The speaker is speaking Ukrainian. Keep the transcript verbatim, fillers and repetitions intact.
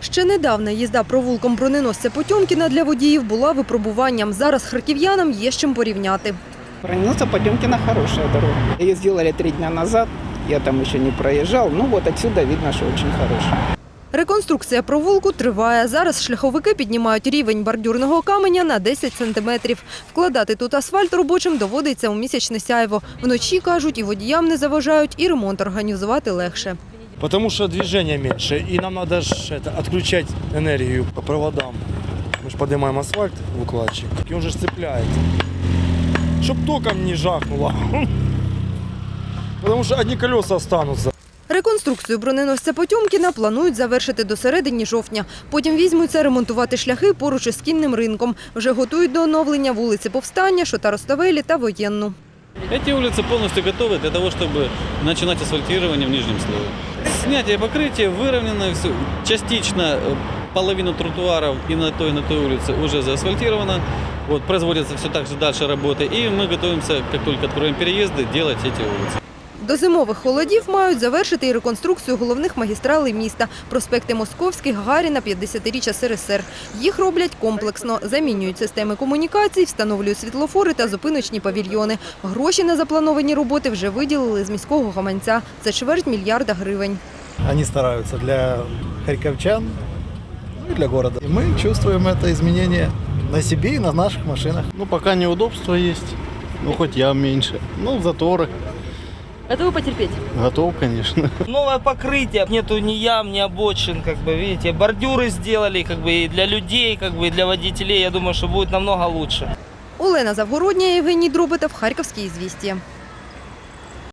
Ще недавно їзда провулком броненосця Потьомкіна для водіїв була випробуванням. Зараз харків'янам є з чим порівняти. Броненосца Потемкина хорошая дорога. Ее сделали три дня назад, я там еще не проезжал, ну вот отсюда видно, что очень хорошая. Реконструкція провулку триває. Зараз шляховики піднімають рівень бордюрного каменя на десять сантиметрів. Вкладати тут асфальт робочим доводиться у місячне сяйво. Вночі, кажуть, і водіям не заважають, і ремонт організувати легше. Потому что движения меньше, и нам надо ж это, отключать энергию по проводам. Мы же поднимаем асфальт в укладчик, и он же цепляет. Чтоб током не жахнуло. Потому что одни колеса останутся. Реконструкцію броненосця Потьомкіна планують завершити до середини жовтня. Потім візьмуться ремонтувати шляхи поруч із кінним ринком. Вже готують до оновлення вулиці Повстання, Шота-Руставелі та Воєнну. Эти улицы полностью готовы для того, чтобы начинать асфальтирование в нижнем слое. Снятие покрытия, выровнено все. Частично половину тротуаров и на той, и на той улице уже заасфальтировано. Вот, производятся все так же дальше работы. И мы готовимся, как только откроем переезды, делать эти улицы. До зимових холодів мають завершити і реконструкцію головних магістралей міста – проспекти Московський, Гагаріна, п'ятдесятиріччя ес ер ес ер. Їх роблять комплексно. Замінюють системи комунікацій, встановлюють світлофори та зупиночні павільйони. Гроші на заплановані роботи вже виділили з міського гаманця. Це чверть мільярда гривень. Они стараются для харьковчан, ну и для города. И мы чувствуем это изменение на себе и на наших машинах. Ну, пока неудобства есть, ну, хоть ям меньше. Ну, заторы. Готовы потерпеть? Готов, конечно. Новое покрытие, нету ни ям, ни обочин, как бы, видите, бордюры сделали, как бы, и для людей, как бы, и для водителей, я думаю, что будет намного лучше. Олена Завгородня, Євгеній Дробитов, Харківські ізвістія.